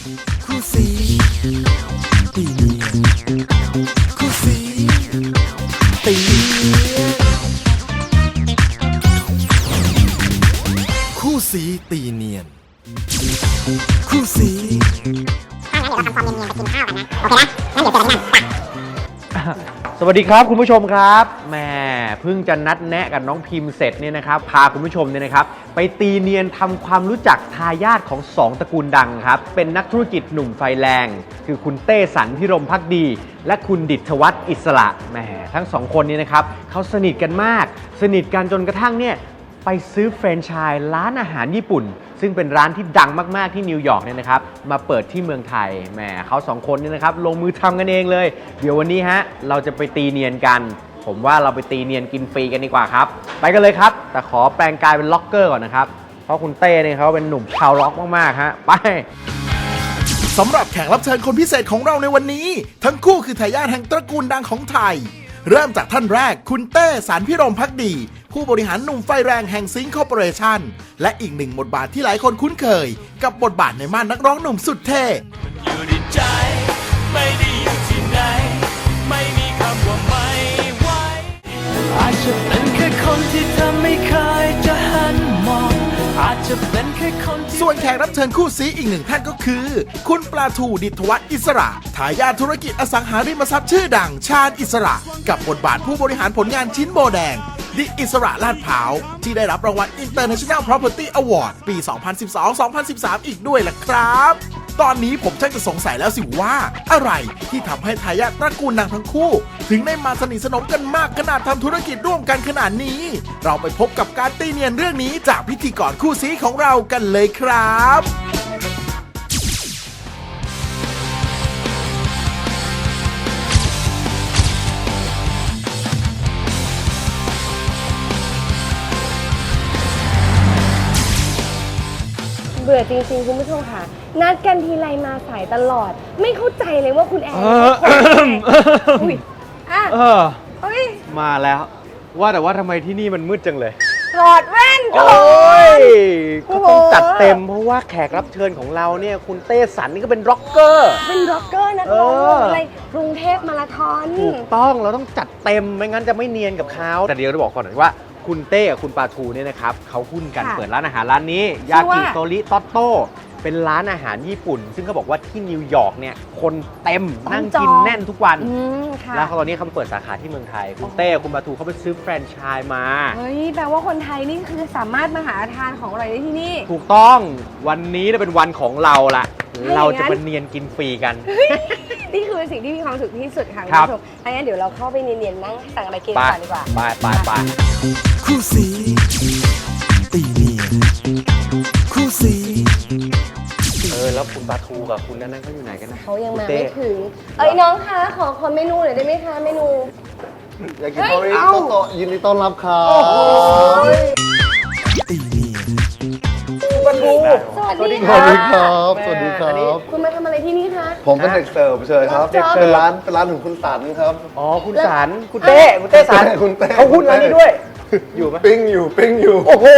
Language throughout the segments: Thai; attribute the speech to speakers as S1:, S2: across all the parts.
S1: คู่สีตีเนียนคู่สีตีเนียนคู่สีตีเนียนคู่สี
S2: ถ้างั้นเดี๋ยวเราทำความเนียนๆไปกินข้าวกันนะ โอเคนะ งั้นเดี๋ยวเจอกันที่นั่นไป
S3: สวัสดีครับคุณผู้ชมครับแหมเพิ่งจะนัดแนะกับน้องพิมพ์เสร็จเนี่ยนะครับพาคุณผู้ชมเนี่ยนะครับไปตีเนียนทำความรู้จักทายาทของ2ตระกูลดังครับเป็นนักธุรกิจหนุ่มไฟแรงคือคุณเต้สันพิรมภักดีและคุณดิษฐวัฒน์อิสระแหมทั้ง2คนนี้นะครับเขาสนิทกันมากสนิทกันจนกระทั่งเนี่ยไปซื้อแฟรนไชส์ร้านอาหารญี่ปุ่นซึ่งเป็นร้านที่ดังมากๆที่นิวยอร์กเนี่ยนะครับมาเปิดที่เมืองไทยแหมเขา2คนนี่นะครับลงมือทำกันเองเลยเดี๋ยววันนี้ฮะเราจะไปตีเนียนกันผมว่าเราไปตีเนียนกินฟรีกันดีกว่าครับไปกันเลยครับแต่ขอแปลงกายเป็นล็อกเกอร์ก่อนนะครับเพราะคุณเต้เนี่ยเขาเป็นหนุ่มชาวล็อกมากๆฮะไป
S1: สำหรับแขกรับเชิญคนพิเศษของเราในวันนี้ทั้งคู่คือทายาทแห่งตระกูลดังของไทยเริ่มจากท่านแรกคุณเต้สันพิรมภักดีผู้บริหารหนุ่มไฟแรงแห่งซิงค์คอร์ปอเรชั่นและอีกหนึ่งบทบาทที่หลายคนคุ้นเคยกับบทบาทในม่านนักร้องหนุ่มสุดเท่
S4: อยู่ในใจไม่ได้อยู่ที่ไหนไม่มีคำว่าไม่ไหวอาจจะเป็นแค่คนที่เธอไม่เคยจะหันมองอาจจะเป็นแค่คนที่
S1: ส่วนแขกรับเชิญคู่ซีอีกหนึ่งท่านก็คือคุณปลาทูดิษฐวัฒน์อิสระทายาทธุรกิจอสังหาริมทรัพย์ชื่อดังชาญอิสระกับบทบาทผู้บริหารผลงานชิ้นโบแดงดิอิสระลาดพร้าวที่ได้รับรางวัล International Property Award ปี 2012-2013 อีกด้วยล่ะครับตอนนี้ผมช่างจะสงสัยแล้วสิว่าอะไรที่ทำให้ทายาทตระกูลดังทั้งคู่ถึงได้มาสนิทสนมกันมากขนาดทำธุรกิจร่วมกันขนาดนี้เราไปพบกับการตีเนียนเรื่องนี้จากพิธีกรคู่ซีของเรากันเลยครับ
S5: เบื่อจริงๆคุณผู้ชมค่ะนัดกันทีไรมาสายตลอดไม่เข้าใจเลยว่าคุณแอนอุ้ยอ่ะเฮ้ย
S3: มาแล้วว่าแต่ว่าทำไมที่นี่มันมืดจังเลย
S5: ถอดแว่นก่อน
S3: ก็ต้องจัดเต็มเพราะว่าแขกรับเชิญของเราเนี่ยคุณเต้สันนี่ก็เป็นร็อกเกอร์
S5: นักร้องอะไรกรุงเทพมาราธอน
S3: ถูกต้องเราต้องจัดเต็มไม่งั้นจะไม่เนียนกับเขาแต่เดี๋ยวจะบอกก่อนว่าคุณเต้กับคุณปาทูเนี่ยนะครับเขาหุ้นกันเปิดร้านอาหารร้านนี้ยากิโตริโตโต้เป็นร้านอาหารญี่ปุ่นซึ่งเขาบอกว่าที่นิวยอร์กเนี่ยคนเต็มนั่งกินแน่นทุกวันแล้วตอนนี้เขาเปิดสาขาที่เมืองไทยคุณเต้คุณปาทูเขาไปซื้อแฟรนไชส์มา
S5: เฮ้ยแปลว่าคนไทยนี่คือสามารถมาหาทานของอร่อยได้ที่นี่
S3: ถูกต้องวันนี้เป็นวันของเราละเราจะเป็นเนียนกินฟรีกัน
S5: นี่คือสิ่งที่มีความสุขที่สุดค่ะคุณผู้ชมงั้นเดี๋ยวเราเข้าไปเนียนๆนั่งสั่งอะไรกินก่อนดีกว่า
S3: ไป
S1: คู่สีตีเนียนคู่สี
S3: แล้วคุณปาทูกับคุณนั่นเขาอยู่ไหนกันนะ
S5: เขายังมาไม่ถึงน้องคะขอเมนูหน่อยได้ไหมคะเมนู
S6: อยากกินโทริโตยินดีต้อนรับครับ
S1: ตีเนียน
S5: ปาทูสวัสดีครับ
S6: สวัสดีครับ
S5: คุณมาทำอะไรที่นี่คะ
S6: ผมเป็นเด็กเสิร์ฟเฉยครับเป็นร้านของคุณสันครับ
S3: อ๋อคุณสันคุณเต้สันเขาหุ้นร้านนี้ด้วยอยู่ไหม
S6: ปิ้งอยู่
S3: โอ้โห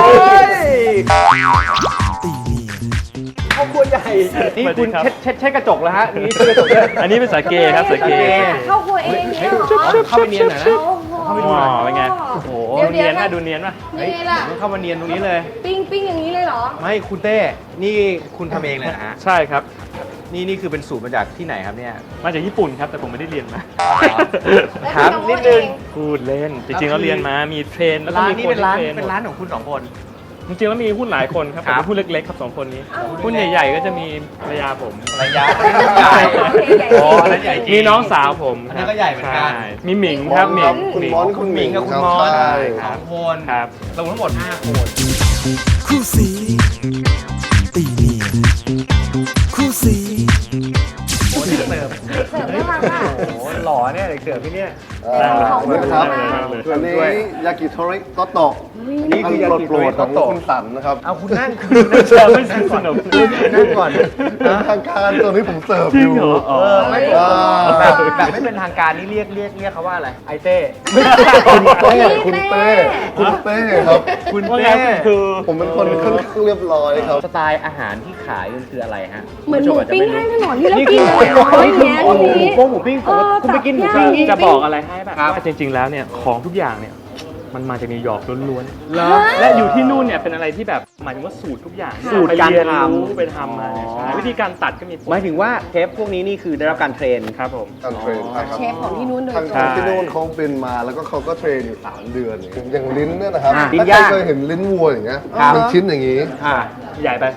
S1: ตีเนียน
S3: ครอบครัวใหญ่นี่คุณเช็ดกระจกแล้วฮะนี่เช็ดกระจก
S7: อันนี้เป็นสาเกครับสาเก
S5: เข้าครัวเองเนี่ย
S3: เข้าไปเนียนหน่อยนะเข้าไปดูหน่อย
S7: เป็นไงโอ้โหดูเนียนนะดูเนียนป่ะ
S3: เข้ามาเนียนตรงนี้เลย
S5: ปิ้งอย่างนี้เลยเหรอ
S3: ไม่คุณเต้นี่คุณทำเองเลยนะฮะ
S7: ใช่ครับ
S3: นี่คือเป็นสูตรมาจากที่ไหนครับเนี่ย
S7: มาจากญี่ปุ่นครับแต่ผมไม่ได้เรียนมา
S3: ถามนิดนึง
S7: พูดเล่นจริงๆแล้วเรียนมามีเทรนแล้วก็
S3: มี
S7: คน
S3: เป็นร้านของคุณ2คน
S7: จริงๆแล้วมีหุ้นหลายคนครับแต่หุ้นเล็กๆครับ2คนนี้หุ้นใหญ่ๆก็จะมีภรรยาผม
S3: ภรรยาใหญ่
S7: อ๋อใหญ่มีน้องสาวผม
S3: อันนี้ก็ใหญ่เหมือนกัน
S7: มีหมิงครับหมิง
S3: คุณหมิงกับคุณมอน2คน
S7: ครับ
S3: รวมทั้งหมด5คน
S1: คู่สีตีเนียนคู่สี
S5: เสิร์ฟค่ะ
S3: โอ้โหหล่อเนี่ยเด็กเสือพี่เนี่ย
S5: ขอบคุณ
S6: นะครับ
S5: มาก
S6: อันนี้ยากิโทริโตโตะ
S3: นี่คือยากิ
S6: โปรด
S3: โต
S6: ของ
S3: โตะ
S6: คุณสันนะครับ
S3: เอาคุณนั่งไม่สนุกนั่งก่อน
S6: เป็นทางการตัวนี้ผมเสิร์ฟ
S7: จริ
S6: อง ยู่
S7: เหรออ๋อ
S3: ไม่ แบบไม่เป็นทางการนี่เรียกเขาว่าอะไรไอเต้
S6: คุณเต้คุณเต้คุณเต้ครับ
S3: คุณ
S7: ว่าไง
S3: เต้
S7: คือ
S6: ผมเป็นคนค่อนข้างเรียบร้อยครับ
S3: สไตล์อาหารที่ขายมันคืออะไรฮะ
S5: เหมือนหมูปิ้งข้างถนนที่เรา
S3: นี่
S5: กิ
S3: คื
S5: น
S3: อ
S5: เลยอย่างเงี้ย
S3: หมู
S5: ทีนี้
S3: โป้งหมูปิ้งคุณไปกินหมูปิ้งนี่
S7: จะบอกอะไรให้แบบ
S3: ครับ
S7: ว่าจริง ๆ แล้วเนี่ยของทุกอย่างเนี่ยมันมาจากนิวยอร์กล้วน
S3: เหรอ
S7: ๆและอยู่ที่นู่นเนี่ยเป็นอะไรที่แบบหมายถึงว่าสูตรทุกอย่าง
S3: สูตรการ
S7: ไปเยน
S3: ทำ
S7: ไปทำมาเนี่ยใช่วิธีการตัดก็มี
S3: หมายถึงว่าเทปพวกนี้นี่คือได้รับการเทรน
S7: ครับผม
S6: การเทรนใช่ครับ
S5: เชฟของที่นู้นโดย
S6: ทาง
S5: ตรง
S6: ที่นู่นเขาเป็นมาแล้วก็เขาก็เทรนอยู่3 เดือนอย่างลิ้นเนี่ยนะครับ
S3: ลิ้น
S6: ถ้า
S3: ย่าง
S6: ใครเคยเห็นลิ้นวัวอย่างเงี้ย
S3: ครับ
S6: เป็นชิ้นอย่างงี้
S3: อ่า
S7: ใหญ่ไป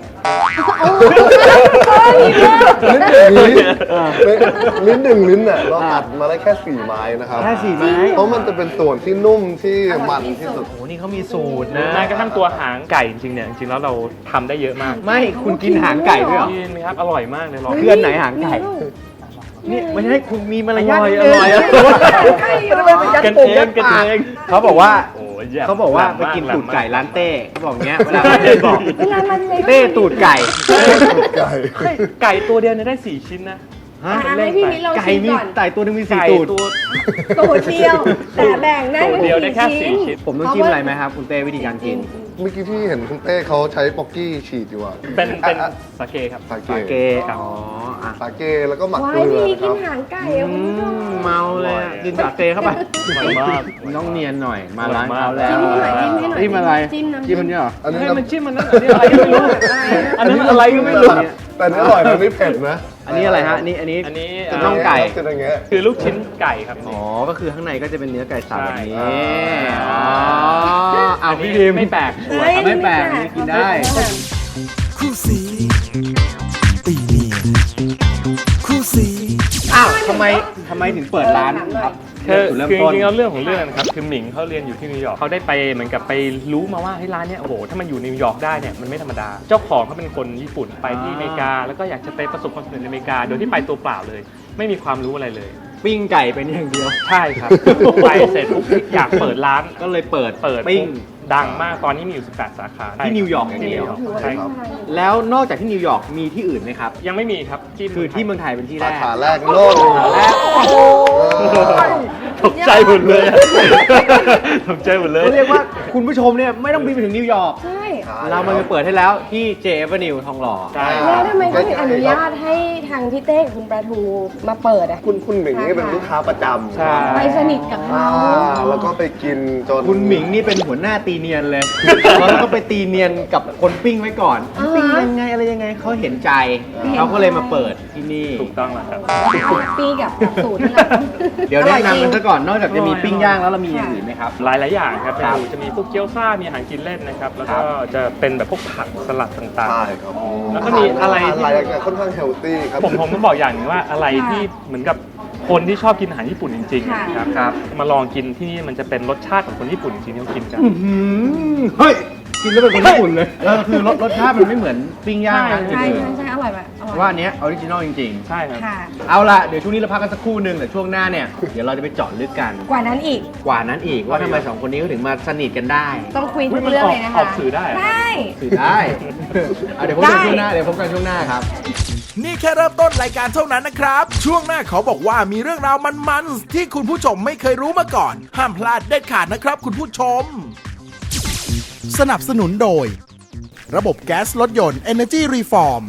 S6: ลิ้นอย่างงี้ลิ้นหนึ่งลิ้นน่ะเราตัดมาได้แค่4 ไม้นะครับ
S3: แค่4 ไม้
S6: เพราะมันจะเป็นส่วนที่นุ่มที่มันที่สุด
S3: โอ้นี่เขามีสูตร
S7: หรือ
S3: นะ
S7: แม้กระทั่งตัวหางไก่จริงๆเนี่ยจริงๆแล้วเราทำได้เยอะมาก
S3: ไม่คุณกินหางไก่ด้วยเหรอ
S7: กินครับอร่อยมากเลยลอง
S3: คืออันไหนหางไก่นี่ไม่ใช่คุณมีมารยาทนิด
S7: อร่อย
S3: นึง
S7: อร่อย
S3: ไม่ไปยัด
S7: กัน
S3: ป
S7: เอง
S3: ยัด
S7: กัน
S3: ปาก
S7: เอง
S3: เขาบอกว่า
S7: โอ้ยแย่
S3: เขาบอกว่า
S7: แหล
S3: ไป
S7: ม
S3: กิน
S7: แหล
S3: ตู
S7: ม
S3: ดไก่ร้านเต้เขาบอกเงี้ยเวลา
S7: เต้บอก
S5: เวลามันเลย
S3: เต้ตูดไก่
S6: ไก่
S7: เฮ้ยไก่ตัวเดียวเนี่ยได้4 ชิ้นนะ
S3: ฮะ
S5: ให้พี่มิ้นลอง
S3: ไก่
S5: ชิม
S3: มี
S5: ก่อน
S3: ไก่ตัวหนึงมี
S7: ไก่
S3: 4 ตูด
S7: ตัว
S5: ตัวเดียว แต่แบ่งได้
S7: ตัวเดียวได้แค่
S5: 4
S7: 4 ชิ้น
S3: ผมต้องจิ้มอะไรไหมครับคุณเต้วิธีการกิน
S6: เมื่อกี้ที่เห็นคุณเต้เขาใช้ป๊อกกี้ฉีดอยู่อะ
S7: เป็นสาเกครับ
S6: สา
S3: สา
S6: เก
S3: เกอ๋ออ่ะ
S6: สาเกแล้วก็หมัก
S5: ว้า
S6: เก
S5: ย
S6: ลือ
S5: พี่
S6: นะค
S5: กิ
S6: รั
S5: น
S6: บ
S5: หางไก่อะคุณผู้ชม
S3: เมาเลยอะกินสาเกเข้าไป
S7: มันมาก
S3: ต้องเนียนหน่อยมาร้านเขาแล้ว
S5: จิ้มให้หน่อย
S3: จิ้มอะไร
S5: จิ้มน้ำ
S3: จิ้มมันเนี่ยเหรอ
S6: อันนี้
S7: ให้
S6: น้ำ
S7: มันจิ้มมันนั่นอันนี้อะไรก็ไม่รู้ อันนั้นอะไรก็ไม่รู้
S6: แต่อันนี้อร่อยนะอันนี้เผ็ดนะ
S3: อันนี้อะไรฮะอันนี้
S7: อันนี้
S3: น่องไก่
S6: จะอย่างเงี้ย
S7: คือลูกชิ้นไก่ครับ
S3: อ๋อ ก็คือข้างในก็จะเป็นเนื้อไก่สับแบบนี้
S6: ใช่
S3: อ๋อ
S7: อั
S3: เอา
S7: นนี้
S3: พี่พิม
S7: ไม่แปลกชัวร์
S5: เฮ้ย
S3: ไม่แปลกอันนี้กินได้
S1: คู่สีตีเนียนคู่สี
S3: อ้าวทำไมถึงเปิดร้านครับ
S7: คือ
S3: จุดเริ่ม
S7: จ
S3: ต้น
S7: ริงๆแล้วเรื่องของเรื่องนะครับคือหมิงเขาเรียนอยู่ที่นิวยอร์กเขาได้ไปเหมือนกับไปรู้มาว่าที่ร้านเนี้ยโอ้โหถ้ามันอยู่นิวยอร์กได้เนี่ยมันไม่ธรรมดา เจ้าของเขาเป็นคนญี่ปุ่นไปที่อเมริกา แล้วก็อยากจะไปประสบความสำเร็จในอเมริกา โดยที่ไปตัวเปล่าเลย ไม่มีความรู้อะไรเลย
S3: ปิ้งไก่เป็นอย่างเดียว
S7: ใช่ครับ ไปเสร็จปุ๊บอยากเปิดร้าน
S3: ก็เลยเปิด
S7: เปิด
S3: ปิ้ง
S7: ดังมากตอนนี้มีอยู่18 สาขา
S3: ที่นิวยอร์กอย่าง
S7: ที่
S3: เดี
S7: นิ
S3: ยว
S7: วยอร์กใช่ครับ
S3: แล้วนอกจากที่นิวยอร์กมีที่อื่นไหมครับ
S7: ยังไม่มีครับ
S3: คือที่เมืองไทยเป็นที่แร
S6: สาก ขาแรกโลก
S3: และโอ้โห
S7: ตกใจหมดเลยอะตกใจหมดเลย
S3: เขาเรียกว่าคุณผู้ชมเนี่ยไม่ต้องบินไปถึงนิวยอร์ก
S5: ใช่
S3: เรามาเปิดให้แล้วที่ J Avenue ทองหล่อ
S7: ใช่
S5: แล้วทำไมเขาถึงอนุญาตให้ทางพี่เต้กับคุณปลาทูมาเปิดอ่ะ
S6: คุณหมิงนี่เป็นลูกค้าประจำ
S7: ใช่
S5: ไปสนิทกับเขา
S6: แล้วก็ไปกินจน
S3: คุณหมิงนี่เป็นหัวหน้าตีเนียนเลย แล้วก็ไปตีเนียนกับคนปิ้งไว้ก่อน ปิ้งยังไงอะไรยังไงเขาเห็นใจ เขาก็เลยมาเปิดที่นี่
S7: ถูกต้องแล้วครับ
S5: ปีกับสูตรที่เรา
S3: เดี๋ยวแนะนำกัน
S5: อร่อยจริง
S3: ซะก่อน นอกจากจะมีปิ้งย่างแล้วเรามีอย่างอื่นไหมครับ
S7: หลายอย่างครับ
S3: ครับ
S7: จะมีพวกเกี๊ยวซ่า มีอาหารกินเล่นนะครับ แล้ว
S3: ครั
S7: ก็
S3: บ
S7: จะเป็นแบบพวกผักสลัดต่าง
S6: ใช่ครับ
S7: แล้วก็มีอะไรที่
S6: หลายอย่างค่อนข้างเฮลตี้ครับ
S7: ๆ ผมต้องบอกอย่างหนึงว่าอะไรที่เหมือนกับคนที่ชอบกินอาหารญี่ปุ่นจริง
S5: ค่ะ
S7: ๆนะครับมาลองกินที่นี่มันจะเป็นรสชาติของคนญี่ปุ่นจริงๆที่เขากินกัน
S3: เฮ้ย กินแล้วเป็นคนญี่ปุ่นเลยคือรสชาติมันไม่เหมือนปิ้งย่างนะ
S5: ใช่ใช่อร่อยแบบอร่อย
S3: ว่าอันเนี้ยออริจินอลจริง
S7: ใช่ครับ
S5: ค่ะ
S3: ๆ เอาล่ะ เดี๋ยวช่วงนี้เราพักกันสักครู่หนึ่งแต่ช่วงหน้าเนี่ย เดี๋ยวเราจะไปเจาะลึกกัน
S5: กว่านั้นอีก
S3: กว่านั้นอีกว่าทำไมสองคนนี้เขาถึงมาสนิทกันได้
S5: ต้องคุยทุกเรื่องเลยนะคะ
S7: ออกสื่อได้เหรอ
S5: ได้
S3: สื่อได้ เอาเดี๋ยวพบกันช่วงหน้า เดี๋ยวพบกันช่วงหน้าครับ
S1: นี่แค่เริ่มต้นรายการเท่านั้นนะครับ ช่วงหน้าขอบอกว่ามีเรื่องราวมันๆที่คุณผู้ชมไม่เคยรู้มาก่อน ห้ามพลาดเด็ดขาดนะครับคุณผู้ชม สนับสนุนโดย ระบบแก๊สรถยนต์ Energy Reform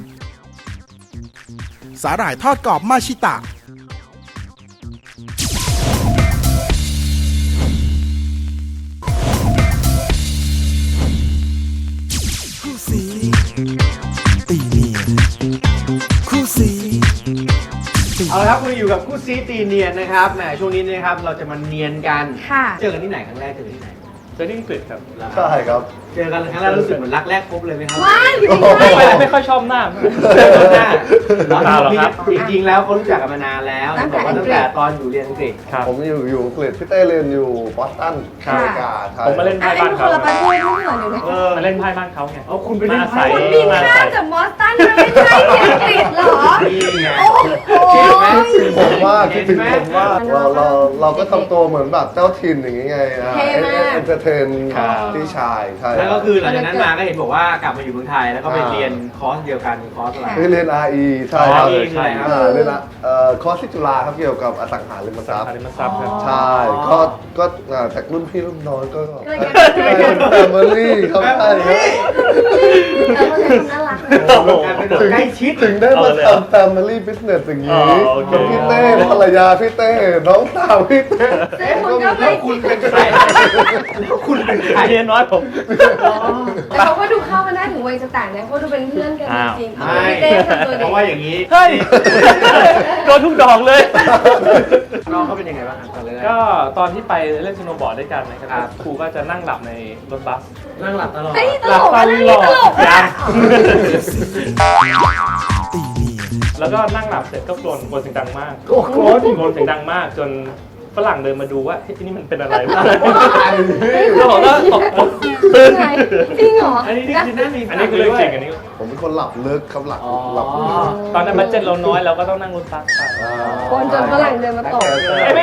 S1: สาหร่ายทอดกรอบมาชิตะ คู่สีตีเนียนคู่สี
S3: เอาละครับคุณอยู่กับคู่ซีตีเนียนนะครับ แหมช่วงนี้นะครับเราจะมาเนียนกัน
S5: ค่ะ
S3: เจอกันที่ไหนครั้งแรกเจอกันที่ไหน
S7: เจอที่อังกฤษครับ
S6: ใช่ครับ
S3: เจอกันครั้งแรกรู้สึกเหมือนรักแรกพบเลยไหมครับ
S5: ว้ายอยู่
S7: ไม่ค่อยชอบหน้า
S3: หน้า
S7: เปล่าหรอกครับ
S3: จริงๆแล้วเขารู้จักกันมานานแล้วบอกว่าตั้งแต่ตอนอยู่เรียนอังกฤษ
S7: ครับ
S6: ผมอยู่อังกฤษพี่เต้เรียนอยู่บอสตันอเมริกาใช่
S7: ผมมาเล่น
S5: อั
S7: ไพ่
S5: นนี้
S7: บ้าน
S5: มันค
S7: เขา
S5: นละประเทศไม่เหมือนอยู่นะ
S7: มาเล่นไพ่บ้านเขาไง
S3: เอาคุณไปเล่นไพ่
S5: คุณบินข้ามจากบอสตันมาไม่ใช่ที่อังกฤษเหรอ
S3: นี่ไง
S5: โอ้โห
S3: คิดไหม
S6: ผมว่าคิดถึงผมว่าเราก็ทำตัวเหมือนแบบเจ้าถิ่นอย่างงี้ไง
S5: เท่มาก
S6: เอนเตอร์เทนพี่ชายใช่
S3: แล้วก็คือหลังจากนั้นมาก็เห็นบอกว่ากลับมาอยู่เมืองไทยแล้วก็ไปเรียนคอร์สเดียวกันคอร์สอะไร
S6: คือเรียน RE ใช่ครับ
S3: RE ใช่ครับ
S6: เรียนคอร์สที่จุฬาครับเกี่ยวกับอสังหาริมทรัพย์
S7: อริมทรัพย์ครับ
S6: ใช่ก็จากรุ่นพี่รุ่นน้องก็
S5: ก็เลย
S6: แฟมิลี่ครับใช่ครับ
S5: เขาจะน่ารัก
S3: ใกล้ชิด
S6: ถึงได้มาทำ Family Business อย่างนี้
S7: โอเค
S6: กับพี่เต้ภรรยาพี่เต้น้องสาวพี่เต้
S5: คุณก็ไม่
S3: คุณเป็นใครคุณเป็นใคร
S7: เรียนน้อยผม
S5: แต่เขาก็ดูเข้ากันได้ถึงวัยจะต่างนะเขาดูเป็นเพื่อนกันจริงๆ
S3: ไม่
S5: พี่เต้ทำตัว
S3: เพ
S5: เด็ก
S3: ราะว่าอย่างนี้
S7: เฮ้ย โดนทุกดอกเลย
S3: น้องเขาเป็นยังไงบ้างครับตอนแรก
S7: ก็ตอนที่ไปเล่นสโนว์บอร์ดด้วยกันนะครับครูก็จะนั่งหลับในรถบัส
S3: นั่งหลับตลอด
S5: เฮ้ยต
S7: ห
S5: ล
S7: ลับ
S5: ก
S7: ต
S5: อะ
S7: ล
S5: เรื่
S7: อ
S5: อง
S7: ด
S5: นี้ตลก
S7: ยั
S5: อะ
S7: งแล้วก็นั่งหลับเสร็จก็กรนเสียงดังมาก
S3: โอ้โห
S7: กรนเสียงดังมากจนฝรั่งเดินมาดูว่าเฮ้ยนี่มันเป็นอะไรวะแล้วผมก็ตกตื่น
S5: จริงเหรอ
S3: อันนี้นี่คือนั่งมี
S7: อันนี้คือเรื่องจริงอันนี้
S6: ผมเป็นคนหลับลึกครับหลับ
S3: อ๋อ
S6: หลับลึก
S7: ตอนนั้นบัดเจ็ตเราน้อยเราก็ต้องนั่งรถบัสไป
S5: คนจนฝรั่งเดินมาตก
S7: ไม่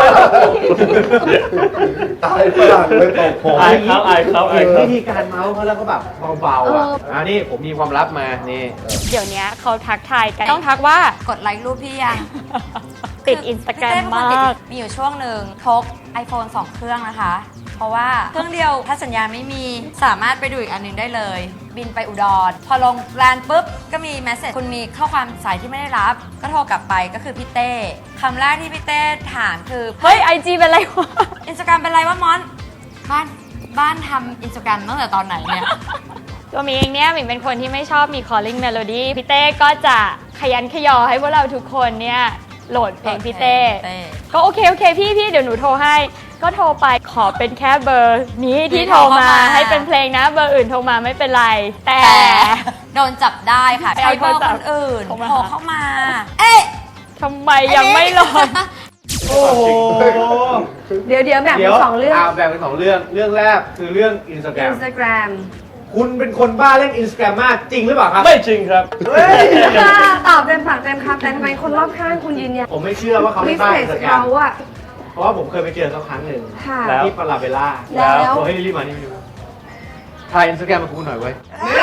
S6: ตายฝรั่งเลยตกผม
S7: อายเขาอายเขาอายเขา
S3: วิธีการเมาส์เขาแล้วก็แบบเบาๆอ่ะอันนี้ผมมีความลับมานี่
S8: เดี๋ยวนี้เขาทักทายกัน ต้องทักว่าก
S9: ดไลค์รูปพี่ยัง
S8: ติดอินสตาแกรม
S9: พี่เต้เป็นคน
S8: มาก
S9: ติดมีอยู่ช่วงหนึ่งพก iPhone 2 เครื่องนะคะ เพราะว่าเครื่องเดียวถ้าสัญญาณไม่มีสามารถไปดูอีกอันหนึงได้เลย บินไปอุดร พอลงแลนด์ปุ๊บ ก็มีแมสเซจคุณมีข้อความสายที่ไม่ได้รับ ก็โทรกลับไปก็คือพี่เต้คำแรกที่พี่เต้ถามคือ
S8: เฮ้ยไอจีเป็นไรวะ
S9: อินสตาแกรมเป็นไรวะมอนบ้านทำอินสตาแกรมตั้งแต่ตอนไหนเนี่ย
S8: ตัวมิงเองเนี่ยมิงเป็นคนที่ไม่ชอบมี calling melody พี่เต้ก็จะขยันขยอให้พวกเราทุกคนเนี่ยโหลดเพลงพี่เต้ ก็โอเคพี่เดี๋ยวหนูโทรให้ ก็โทรไปขอเป็นแค่เบอร์นี้ที่โทรมาให้เป็นเพลงนะเบอร์อื่นโทรมาไม่เป็นไร แต่
S9: โดนจับได้ค่ะ
S8: ไป
S9: ใช้
S8: เอา
S9: เบอร์
S8: โทรศั
S9: ค
S8: พท์
S9: นอื่น
S8: โทรมา
S9: โทรเข้ามา เอ๊ะ
S8: ทำไมยังไม่โหลด
S3: โอ้โห
S5: เดี๋ยวแบ่งเป็นสองเรื่อง
S3: แบ่งเป็นสองเรื่อง เรื่องแรกคือเรื่องอินสตาแกรม
S5: Instagram
S3: คุณเป็นคนบ้าเล่นอินสตาแกรมมากจริงหรือเปล่าครับ
S7: ไม่จริงครับ
S3: เฮ้ย
S5: ตอบเต็มปากเต็มคำแต่ทำไมคนรอบข้างคุณยืนยัน
S3: ผมไม่เชื่อว่าเขา
S5: วิ
S3: เล่น
S5: ส
S3: บ้า
S5: เ
S3: อินสตาแกรม
S5: เขาอะ
S3: เพราะว่าผมเคยไปเจอเขาครั้งหนึ่ง
S5: ค่ะ
S7: แล้ว
S3: ที่ปาราเบลล่า
S5: แล้ว
S3: บอกให้รีบมานี่ถ่ายอินสตาแกรมมาคุณหน่อยเว้ย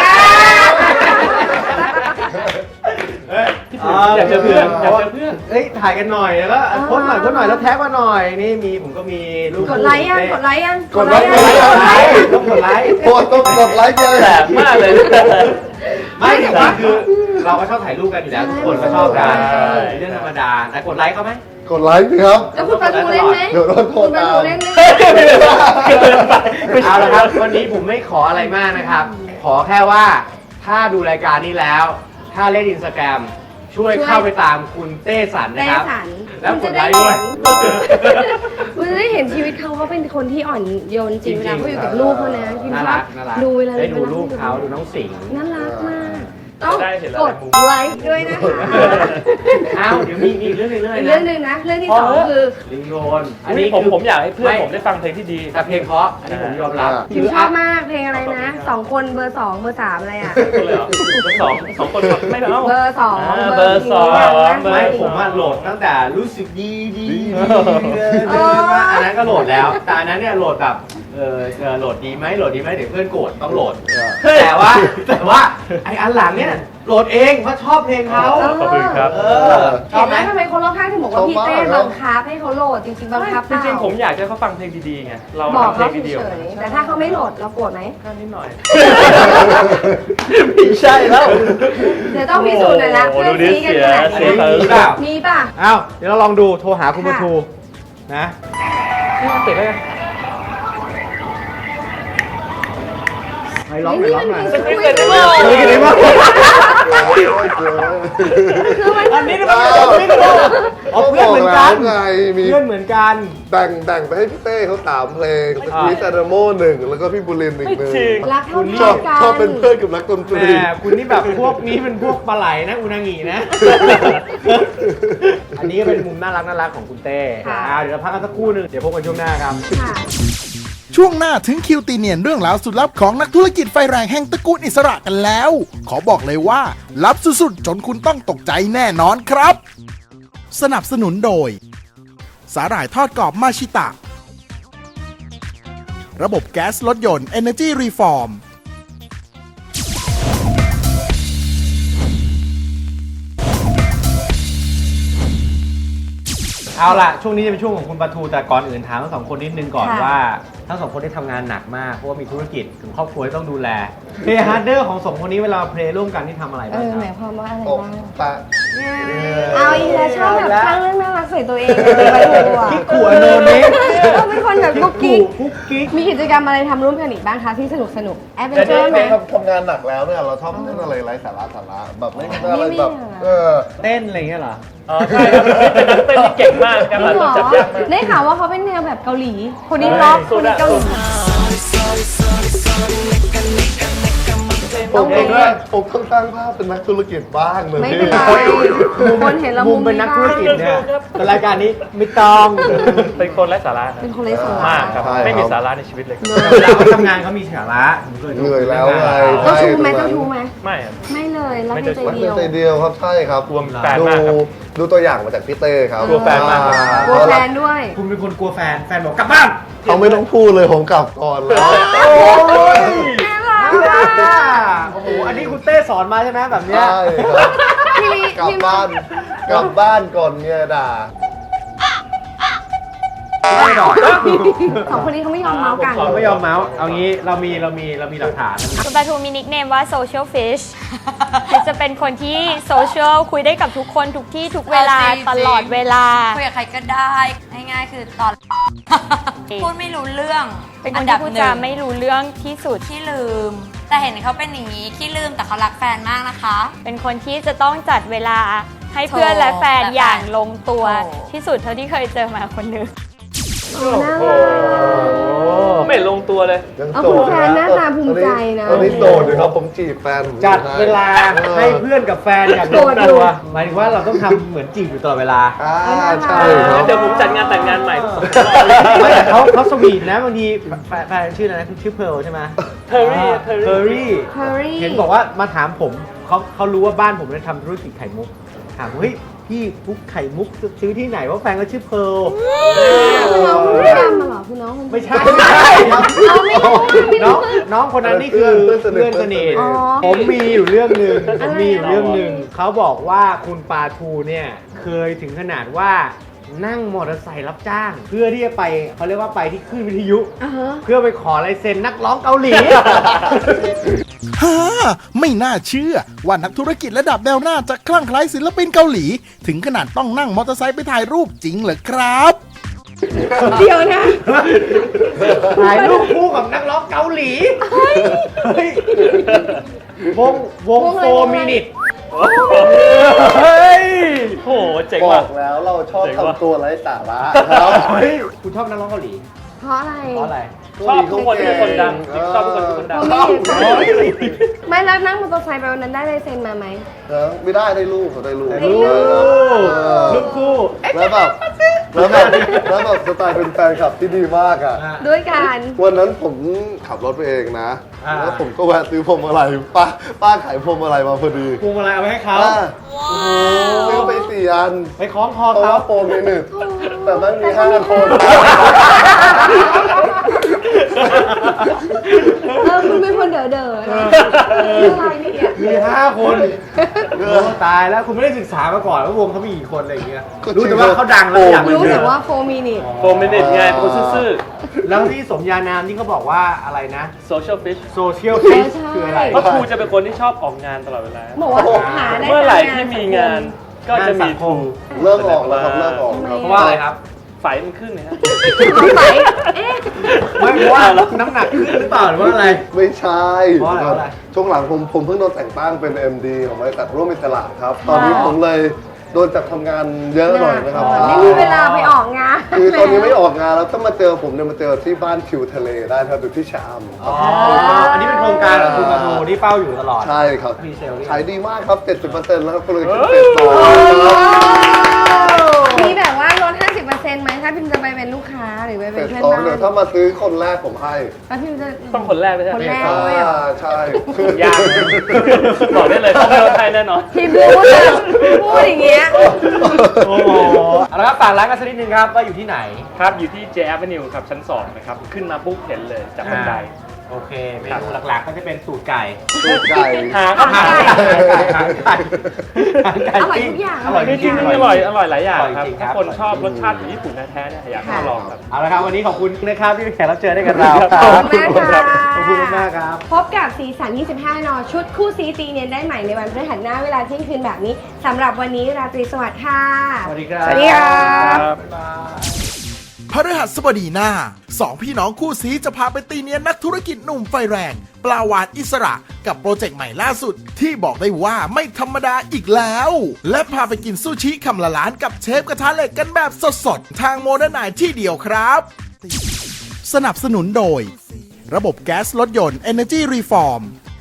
S7: อยากเจอเพื่อนอยากเจอเพื่อน
S3: เอ้ยถ่ายกันหน่อยแล้วก็โพสต์หน่อยแล้วแท็กมาหน่อยนี่ผมก็มีรูป
S5: กดไลค์ยังกดไลค์ยัง
S6: กดไลค์
S3: ต้องกดไลค์
S6: โพสต์ต้องกดไลค์เลย
S7: แสบมากเลย
S3: ไม่แต่ว่าคือเราก็ชอบถ่ายรูปกันอยู่แล้วทุกคนก็ชอบกัน
S7: ใช่
S3: เรื่องธรรมดาแต่กดไลค์เขาไหม
S6: กดไลค์สิครับ
S5: แล้วคุณปาทูเล่นไหม
S6: เดี๋ยวโดนโท
S5: คุ
S6: ษ
S5: ณปา
S6: ตา
S5: ทู
S6: ม
S5: เล่นไหม
S3: เอาละครับวันนี้ผมไม่ขออะไรมากนะครับ ขอแค่ว่าถ้าดูรายการนี้แล้ว ถ้าเล่นอินสตาแกรมช่วยเข้าไปตามคุณเต้สัน
S5: เต้
S3: นะครับ
S5: สัน
S3: แล้วกดไลค์ด้วย
S5: คุณจะได้เห็นชีวิตเขาเป็นคนที่อ่อนโยนจริงเวลาเขาอยู่กับลูกเขานะคิม
S3: น่า
S5: ชอ
S3: รับ ก
S5: ดูเวลา
S3: ได้ดูรูปเขาดูน้องสิงห์
S5: น่ารักมากต้อง
S7: ได้เห็นแล้ว
S5: กดไลค์ด้วยนะคะ
S3: อ้าวเดี๋ยวมีอีกเรื่องหนึง
S5: อีกเรื่องหนึ่งนะ เรื่องที่สองคือ
S3: ลิงโรน
S7: อันนี้ผมอยากให้เพื่อนผมได้ฟังเพลงที่ดี
S3: แต่เพลงเพราะอันนี้ผมยอมรับ
S5: คิมชอบมากเพลงอะไรนะสองคนเบอร์สองเบอร์สามอะไรอ่ะ
S7: คนเลยเหรอสองคนครับไม่เอา
S5: เบอร์สอง
S7: เบอร์สอง
S3: ไม่ผมว่าโหลดตั้งแต่รู้สึกดีมาอันนั้นก็โหลดแล้ว แต่อันนั้นเนี่ยโหลดแบบโหลดดีไหมเดี๋ยวเพื่อนโกรธต้องโหลด แต่ว่าไออันหลังเนี่ยโหลดเองเพราะชอบเพลงเขา
S7: ขอบคุณครับ
S3: ชอบ
S5: เห็น
S3: ไห
S5: ไห
S3: ม
S5: มทำไมคนรอบข้างถึงบอกว่าพี่เต้บังคับให้เขาโหลดจริงๆบังคับเป
S7: จ
S5: ล่า
S7: ริงๆผมอยากให้เขาฟังเพลงดีๆไงเรา
S5: บอก
S7: ทำเพล
S5: เขา
S7: งดี
S5: เฉยๆแต่ถ้าเขาไม่โหลดเราโกรธไหม
S7: ๆนิดหน่อยไม่ใช่แล้ว
S5: เดี๋ยวต้องพิสูจน์หน่อยละ
S7: โอ้
S5: เพื่
S7: โห
S5: อนซีกันขนาด
S7: ดูดิ
S5: นี้
S7: เสีย
S5: มีป่ะ
S3: อ้าวเดี๋ยวเราลองดูโทรหาคุณ
S5: ค่ะ
S3: ประทูนะ
S7: ติดแล้ว
S3: ไปร้องหน่
S5: นี่
S3: อย
S5: มัน
S3: ร้องหน่อย
S5: คุยกันได้
S3: คุยกันได้มั้ย
S5: คือมัน
S3: อันนี้มันไม่ได้เอาเพื่อนเหมือนกัน
S6: ไงมี
S3: เพื่อนเหมือนกัน
S6: แบ่งไปให้พี่เต้เขา3เพลงสกีซาดาโม1แล้วก็พี่บุรินทร์อีกหนึ่ง
S5: รักเท่า
S6: ชอบ
S5: กัน
S6: ชอบเป็นเพื่อนกับนักดนต
S3: แห
S6: รี
S3: มคุณนี่แบบพวกนี้เป็นพวกปลาไหลนะอุนางินะ อันนี้ก็เป็นมุมน่ารักของคุณเต้เดี๋ยวเราพักกันสักครู่หนึงเดี๋ยวพบกันช่วงหน้าครับ
S5: ค่ะ
S1: ช่วงหน้าถึงคิวตีเนียนเรื่องราวสุดลับของนักธุรกิจไฟแรงแห่งตระกูลอิสระกันแล้ว ขอบอกเลยว่าลับสุดๆจนคุณต้องตกใจแน่นอนครับ สนับสนุนโดยสาหร่ายทอดกรอบมาชิตะ ระบบแก๊สรถยนต์ Energy Reform
S3: เอาล่ะ ช่วงนี้จะเป็นช่วงของคุณปลาทูแต่ก่อนอื่นถามทั้งสองคนนิดนึงก่อน
S5: ค่ะ
S3: ว่าทั้งสองคนได้ทำงานหนักมากเพราะว่ามีธุรกิจถึงครอบครัวที่ต้องดูแลเพลย์ฮาร์ดเดอร์ของสองคนนี้เวลาเพลย์ร่วมกันที่ทำอะไรบ้างค
S5: ห
S3: รั
S5: มาย
S3: บ
S5: ความว่าอะไร
S6: ตก
S5: บ้าง
S6: ตะ
S5: เอาอีกแล้วชอบแบบสร้างเรื่องน่ารักใส่ตัวเองเลยไปถูกอ่ะ
S3: กิ๊กขู่อโนเนส
S5: เป็นคนแบบกุ๊กกิ๊ก
S3: กุ๊กกิ๊ก
S5: มีกิจกรรมอะไรทำร่วมกันอีกบ้างคะที่สนุกแอดเวนเจอร์ไหม
S6: ทำงานหนักแล้วเนี่ยเราชอบเล่นอะไรไร้สาระแบบไม่ได้อะไรแบบ
S3: เต้นอะไรอย่างเงี้ยเหรอ
S7: อ๋อใช่ครับเป็นนักเต้นที่เก่งมากการ
S5: จริงเหรอ
S7: จับยากมาก
S5: ได้ข่าวว่าเขาเป็นแนวแบบเกาหลี คนนี้ร็อกคนนี้เกาหลี
S6: ผมเองด้วยผมต้องสร้างภาพเป็นนักธุรกิจบ้างเลย
S5: ไม่เป็นไรคนเห็นเรา
S3: มุ
S5: มุ
S3: ม
S5: ม
S3: เป็นนักธุรกิจเนี่ย
S7: ครับ
S3: แต่รายการนี้ไม่ต้อง
S7: เป็นคนไร้สาระครับ
S5: เป็นคนไร้สาระ
S7: มากครับ ไม่มีสาระในชีวิตเลย
S3: เวลาเขาทำงานเขามีสาระผมคดู
S6: เหนื่อยแล้วไง
S5: เจ้าชู้ไหมเจ้าชู้ไหม
S7: ไม่ครับ
S5: ไม่เลยรักในใจ
S6: รัก
S5: เดี
S6: ใน
S5: ยว
S6: ใจเดียวครับใช่ครับ
S7: กลัวแฟนมากครับ
S6: ดูตัวอย่างมาจากพี่เต้ครับ
S7: กลัวแฟนมากครับ
S5: กลัวแฟนด้วย
S3: คุณเป็นคนกลัวแฟนบอกกลับบ้าน
S6: เขาไม่ต้องพูดเลยผมกลับก่อนแล้ว
S3: โอ้ยโอ้โหอันนี้คุณเต้สอนมาใช่ไหมแบบเนี้ย
S6: ใช่ครับ
S5: พี่
S6: กลับบ้านก่อนเนี่ยด่า
S3: ไม่หรอก
S5: สองคนนี้เขาไม่ยอมเมาส์กัน
S3: เราไม่ยอมเมาส์เอางี้เรามีหลักฐาน
S8: คุณปลาทูมีนิคเนมว่า social fish จะเป็นคนที่โซเชียลคุยได้กับทุกคนทุกที่ทุกเวลา
S9: จริงๆ
S8: ตลอดเวลา
S9: คุยกับใครก็ได้ง่ายๆคือตอน พูดไม่รู้เรื่อง
S8: เป็นค
S9: อั
S8: น
S9: นดั
S8: ที่
S9: บ
S8: พูด
S9: หนึ่
S8: จาง ไม่รู้เรื่องที่สุด
S9: ขี้ลืม แต่เห็นเขาเป็นอย่างนี้ขี้ลืมแต่เขารักแฟนมากนะคะ
S8: เป็นคนที่จะต้องจัดเวลาให้เพื่อนและแฟนอย่างลงตัว
S9: โอ้
S8: ที่สุดเท่าที่เคยเจอมาคนหนึง
S5: น่ารัก
S7: ไม่ลงตัวเลย
S6: ยัง
S5: เอา
S6: โส
S5: คุณ
S6: ด
S5: แฟนหน้าตาภูมิใจนะ
S6: ตอนนี้โสดอยู่ครับผมจีบแฟนผม
S3: จัดเวลา
S6: ออ
S3: ให้เพื่อนกับแฟนอย่างลงตัวหมายถึงว่าเราต้องทำเหมือนจีบอยู่ตลอดเวลา
S6: ใช่ครับ
S7: เดี๋ยวผมจัดงานแต่งงานใหม่
S3: ไม่แต่เขาสวีทนะบางทีแฟนชื่ออะไรนะชื่อเพร์ลใช่ไหม
S7: เทอร์รี่
S3: เพอร์รี่
S5: Curry
S3: เห็นบอกว่ามาถามผมเขารู้ว่าบ้านผมเนี่ยทำธุรกิจไข่มุกถามว่าเฮ้ยพี่พุกไข่มุกซื้อที่ไหนว่าแฟนก็ชื่อเพร์ล
S5: คือน้องคนที่ดำมาเหรอคือน้องคน
S3: ไม่ใช่
S5: เอาไม่รู้ไม่
S3: น้อ
S5: รู้
S3: งน้องคนนั้นนี่คือเพื่อนสนิท
S5: อ๋อ
S3: ผมมีอยู่เรื่องหนึ่ง
S5: อะไร
S3: เขาบอกว่าคุณปาทูเนี่ยเคยถึงขนาดว่านั่งมอเตอร์ไซค์รับจ้าง เพื่อที่จะไปเขาเรียกว่าไปที่คลื่นวิทยุ
S5: อ่าฮะ
S3: เพื่อไปขอลายเซ็นนักร้องเกาหลี
S1: ฮ่าไม่น่าเชื่อว่านักธุรกิจระดับแนวหน้าจะคลั่งไคล้ศิลปินเกาหลี ถึงขนาดต้องนั่งมอเตอร์ไซค์ไปถ่ายรูปจริงเหรอครับ
S5: เดี๋ยวนะ
S3: ถ่ายรูปคู่กับนักร้องเกาหลีเฮ้ยวง
S5: วงอะไร
S3: 4 minute
S7: เฮ้ยโหเจ๋ง
S6: บ
S7: ว่ะ
S6: อกแล้วเราชอบ
S7: เจ๋งว่ะ
S6: ทำตัวไร้สาระครับ
S3: เฮ้ยคุณชอบนักร้องเกาหลี
S5: เพราะอะไร
S3: เพราะอะไร
S7: ชอบทุกคนที่เป็นคนดังจริงๆชอบทุกคนที่เป็นคนดัง
S5: ไม่แล้วนั่งมอเตอร์ไซค์ไปวันนั้นได้ลายเซ็นมาไหม
S6: ไม่ได้รูปเขาได้รูป
S3: รูปคู่
S6: แล้วแบบสไตล์เป็นแฟนคลับที่ดีมากอ่ะ
S5: ด้วยกัน
S6: วันนั้นผมขับรถไปเองนะ แล้วผมก็แวะซื้อพวงมาลัยป้าขายพวงมาลัยมาพอดี
S3: พวงมาลัยเอาไปให้เขา
S6: ซื้อไป4 อัน
S3: ไปคล้องคอ
S6: เพราะ
S3: เขา
S6: ว่าโปรมีหนึ่งแต่มันมี5 คน
S5: คุณเป็นคนเด๋อๆนะอะไรเนี่ย
S3: มี 5 คนโอ้ตายแล้วคุณไม่ได้ศึกษามาก่อนว่าวงเขามีกี่คนอะไรอย่างเงี้ยรู้แต่ว่าเขาดังแล้วอยากเป็น
S5: รู้แต่ว่าโฟมินิ
S7: โฟมเมนิตไงเป็นคนซื่อ
S3: แล้วที่สมญานามที่เขาบอกว่าอะไรนะ
S7: ๆ social fish
S3: โซเชียลฟิชคืออะไร
S7: เพราะครูจะเป็นคนที่ชอบออกงานตลอดเวลา
S5: บอกว่าหาได้
S7: เมื่อไหร่ที่มีงานก็จะมีครู
S6: เลิกออกแล้วครับเลิกออกครับ
S3: เพราะว่าอะไรครับ
S7: ไฟมันขึ้นนะฮะ
S5: ไหนเอ๊ะ
S3: ไม่เพราะว่าน้ำหนักขึ้นหรือเปล่าหรือว่าอะไร
S6: ไม่ใช่
S3: เพราะอะไร
S6: ช่วงหลังผมเพิ่งโดนแต่งตั้งเป็น MD ของบริษัทร่วมอิสระครับ ตอนนี้ผมเลยโดนจับทำงานเยอะหน่อยนะครับ
S5: ไม่มีเวลาไปออกงาน
S6: คือตอนนี้ไม่ออกงานแล้วถ้ามาเจอผมเนี่ยมาเจอที่บ้านทิวทะเลได้ครับอยู่ที่ชะอำ
S3: อ๋ออันนี้เป็นโครงการของคุณมาดูที่เฝ้าอยู่ตลอด
S6: ใช่ครับ
S3: มีเซลล์
S6: ขายดีมากครับ 70%แล้วครับก็เลยคิด
S7: เฮ้ย
S5: มีแบบว่าลด 50%ไหมถ้าพิมจะไปเป็นลูกค้าหรือไปเป็นเพื่อน
S6: 2
S5: บ้าน
S6: เดี๋ยวถ้ามาซื้อคนแรกผมให้
S5: แล้วพิมจะ
S7: ต้องคนแรกไม่ใช่
S5: คน
S7: ไหม
S5: แรกด้วยเหรอ
S6: ใช่คือย
S7: ากนะบอกได้เลยต้องไม่ลดให้แน่นอน
S5: พิมรู้จะพูดอย่างเงี้ย
S3: โอ้โหแล้วครับฝากร้านกันสักนิดนึงครับว่าอยู่ที่ไหน
S7: ครับอยู่ที่ J Avenue ครับชั้น2นะครับขึ้นมาปุ๊บเห็นเลยจากบันได
S3: โอเคเมนูหลักๆก็จะเป็นสูตรไก่
S6: ตูดไก่
S7: หา
S3: หางไก่
S5: อร่อยทุกอย่าง
S3: อร่อย
S7: จ
S3: จ
S7: ริ
S3: ริ
S7: ง
S3: ง
S7: ๆ
S3: ๆ
S7: อร่อยหลายอย่าง
S3: อร่อย
S7: ครับ
S3: จริงๆ
S7: ถ้า
S3: ครับ
S7: คนชอบรสชาติของญี่ปุ่นแท้ๆเนี่ยอยากให้มาลองครับ
S3: เอาละครับวันนี้ขอบคุณนะครับที่เป็นแขกรับเชิญให้กับเรา
S5: ขอบคุณมากค่ะ
S3: ขอบคุณมากครับ
S5: พบกับสีสัน 25 น ชุดคู่ซีตีเนียนได้ใหม่ในวันพฤหัสหน้าเวลาเที่ยงคืนแบบนี้สำหรับวันนี้ราตรีสวัสดิ์ค่ะ
S3: สวัสดีครับ
S5: สวัสดีครับ
S1: พฤหัสบดีหน้าสองพี่น้องคู่ซีจะพาไปตีเนียนนักธุรกิจหนุ่มไฟแรง ปลาวานอิสระกับโปรเจกต์ใหม่ล่าสุด ที่บอกได้ว่าไม่ธรรมดาอีกแล้ว และพาไปกินซูชิคำละล้านกับเชฟกระทะเหล็กกันแบบสดๆ ทางโมเดิร์นไนที่เดียวครับ สนับสนุนโดย ระบบแก๊สรถยนต์ Energy Reform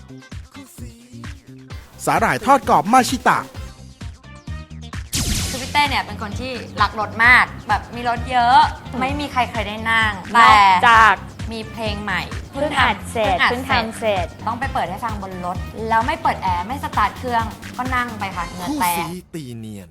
S1: สาหร่ายทอดกรอบมาชิตะ
S9: คือพี่เต้เนี่ยเป็นคนที่รักรถมาก แบบมีรถเยอะ ไม่มีใครเคยได้นั่ง
S8: น
S9: แต่
S8: อกจาก
S9: มีเพลงใหม่
S8: เพิ่งอัดเสร็จเพิ่งทำเสร็จ
S9: ต้องไปเปิดให้ฟังบนรถ แล้วไม่เปิดแอร์ไม่สตาร์ทเครื่องก็นั่งไปค่ะเหงื่อ
S10: คู่
S9: แต
S10: ซี
S9: ก
S10: ตีเนียน